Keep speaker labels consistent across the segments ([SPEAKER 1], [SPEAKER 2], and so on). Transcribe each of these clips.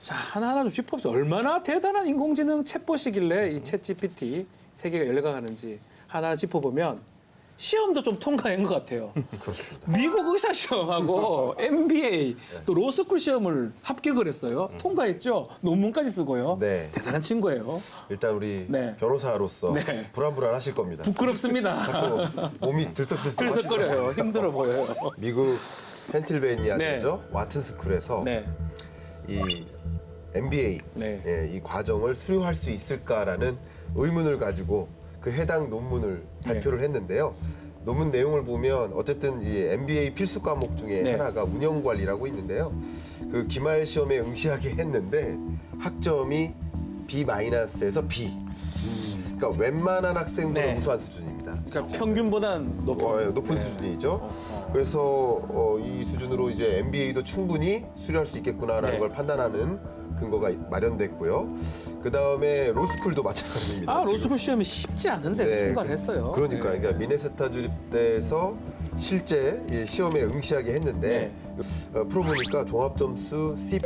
[SPEAKER 1] 자, 하나하나 좀 짚어보죠. 얼마나 대단한 인공지능 챗봇이길래 이 챗GPT 세계가 열려가는지 하나 짚어보면 시험도 좀 통과한 것 같아요. 미국 의사 시험하고 MBA 또 로스쿨 시험을 합격을 했어요. 통과했죠. 논문까지 쓰고요.
[SPEAKER 2] 네.
[SPEAKER 1] 대단한 친구예요.
[SPEAKER 2] 일단 우리
[SPEAKER 1] 네.
[SPEAKER 2] 변호사로서
[SPEAKER 1] 네.
[SPEAKER 2] 불안불안하실 겁니다.
[SPEAKER 1] 부끄럽습니다.
[SPEAKER 2] 자꾸 몸이
[SPEAKER 1] 들썩거려요. 힘들어 보여요.
[SPEAKER 2] 미국 펜실베이니아
[SPEAKER 1] 네.
[SPEAKER 2] 대죠 와튼 스쿨에서
[SPEAKER 1] 네.
[SPEAKER 2] 이 MBA
[SPEAKER 1] 네.
[SPEAKER 2] 이 과정을 수료할 수 있을까라는 의문을 가지고 그 해당 논문을 발표를 했는데요. 논문 내용을 보면 어쨌든 이 MBA 필수 과목 중에
[SPEAKER 1] 네.
[SPEAKER 2] 하나가 운영관리라고 있는데요. 그 기말 시험에 응시하게 했는데 학점이 B-에서 B. 그러니까 웬만한 학생보다
[SPEAKER 1] 네.
[SPEAKER 2] 우수한 수준입니다.
[SPEAKER 1] 그러니까 평균보다는 높은,
[SPEAKER 2] 높은
[SPEAKER 1] 네.
[SPEAKER 2] 수준이죠. 그래서 이 수준으로 이제 MBA도 충분히 수료할 수 있겠구나라는
[SPEAKER 1] 네.
[SPEAKER 2] 걸 판단하는 근거가 마련됐고요. 그 다음에 로스쿨도 마찬가지입니다.
[SPEAKER 1] 아,
[SPEAKER 2] 지금.
[SPEAKER 1] 로스쿨 시험이 쉽지 않은데 통과를 했어요.
[SPEAKER 2] 그러니까,
[SPEAKER 1] 네.
[SPEAKER 2] 그러니까 미네소타 주립대에서 실제 이 시험에 응시하게 했는데 풀어보니까 종합 점수 C+.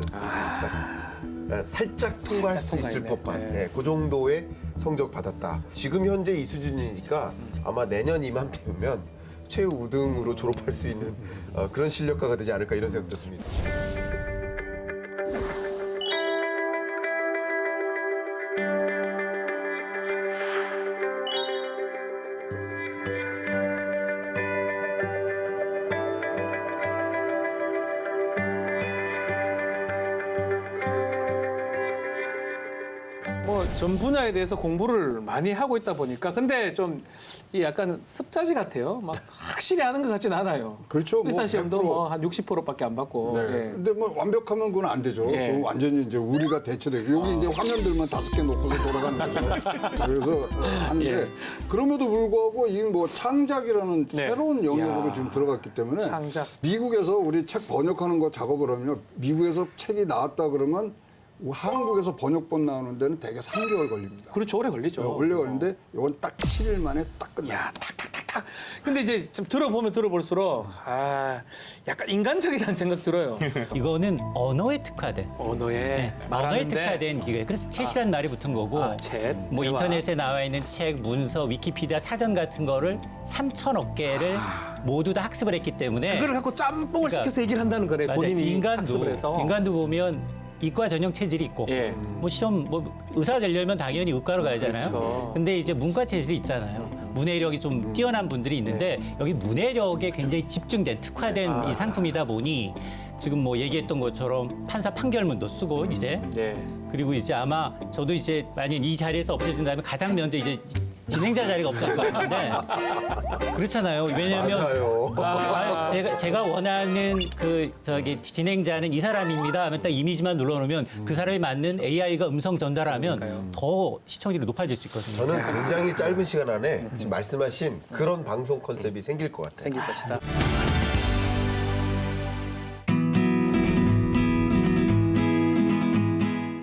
[SPEAKER 2] 그러니까 살짝 통과할 수 있을
[SPEAKER 1] 통과했네.
[SPEAKER 2] 법한
[SPEAKER 1] 네.
[SPEAKER 2] 그 정도의 성적 받았다. 지금 현재 이 수준이니까 아마 내년 이맘때면 최우등으로 졸업할 수 있는 그런 실력가가 되지 않을까 이런 생각도 듭니다.
[SPEAKER 1] 뭐 전 분야에 대해서 공부를 많이 하고 있다 보니까 근데 좀 이 약간 습자지 같아요. 막 확실히 아는 것 같진 않아요.
[SPEAKER 3] 그렇죠. 뭐
[SPEAKER 1] 의사 시험도
[SPEAKER 3] 100%.
[SPEAKER 1] 뭐 한 60%밖에 안 받고.
[SPEAKER 3] 네.
[SPEAKER 1] 예.
[SPEAKER 3] 근데 뭐 완벽하면 그건 안 되죠.
[SPEAKER 1] 예.
[SPEAKER 3] 그건 완전히 이제 우리가 대체되고 여기 이제 화면들만 5개 놓고서 돌아가는 거죠. 그래서 하는데
[SPEAKER 1] 예.
[SPEAKER 3] 그럼에도 불구하고 이 뭐 창작이라는
[SPEAKER 1] 네.
[SPEAKER 3] 새로운 영역으로
[SPEAKER 1] 야.
[SPEAKER 3] 지금 들어갔기 때문에
[SPEAKER 1] 창작.
[SPEAKER 3] 미국에서 우리 책 번역하는 거 작업을 하면 미국에서 책이 나왔다 그러면 한국에서 번역본 나오는 데는 대개 3개월 걸립니다.
[SPEAKER 1] 그렇죠. 오래 걸리죠.
[SPEAKER 3] 원래 걸리는데 이건 딱 7일 만에 딱 끝나요.
[SPEAKER 1] 야, 탁탁탁탁. 근데 이제 좀 들어보면 들어볼수록 아, 약간 인간적이다는 생각 들어요.
[SPEAKER 4] 이거는 언어에 특화된
[SPEAKER 1] 언어에
[SPEAKER 4] 언어에
[SPEAKER 1] 말하는데
[SPEAKER 4] 특화된 기계. 그래서 챗이라는 말이 붙은 거고
[SPEAKER 1] 아, 챗.
[SPEAKER 4] 뭐
[SPEAKER 1] 대화.
[SPEAKER 4] 인터넷에 나와 있는 책, 문서, 위키피디아, 사전 같은 거를 3,000억 개를 모두 다 학습을 했기 때문에
[SPEAKER 1] 그걸 갖고 짬뽕을
[SPEAKER 4] 그러니까
[SPEAKER 1] 시켜서 얘기를 한다는 거래.
[SPEAKER 4] 맞아요.
[SPEAKER 1] 본인이 학습을 해서.
[SPEAKER 4] 인간도 보면 이과 전형 체질이 있고
[SPEAKER 1] 예.
[SPEAKER 4] 뭐 시험 뭐 의사 되려면 당연히 의과로 가야잖아요.
[SPEAKER 1] 그렇죠.
[SPEAKER 4] 근데 이제 문과 체질이 있잖아요. 문해력이 좀 뛰어난 분들이 있는데 여기 문해력에 굉장히 집중된 특화된 이 상품이다 보니 지금 뭐 얘기했던 것처럼 판사 판결문도 쓰고 이제
[SPEAKER 1] 네.
[SPEAKER 4] 그리고 이제 아마 저도 이제 만약 이 자리에서 없어진다면 가장 먼저 이제 진행자 자리가 없을 것 같은데 그렇잖아요. 왜냐하면
[SPEAKER 2] 맞아요.
[SPEAKER 4] 제가 원하는 그 저기 진행자는 이 사람입니다 하면 딱 이미지만 눌러놓으면 그 사람이 맞는 AI가 음성 전달하면 더 시청률이 높아질 수 있거든요.
[SPEAKER 2] 저는 굉장히 짧은 시간 안에 지금 말씀하신 그런 방송 컨셉이 생길 것 같아요.
[SPEAKER 1] 생길 것이다.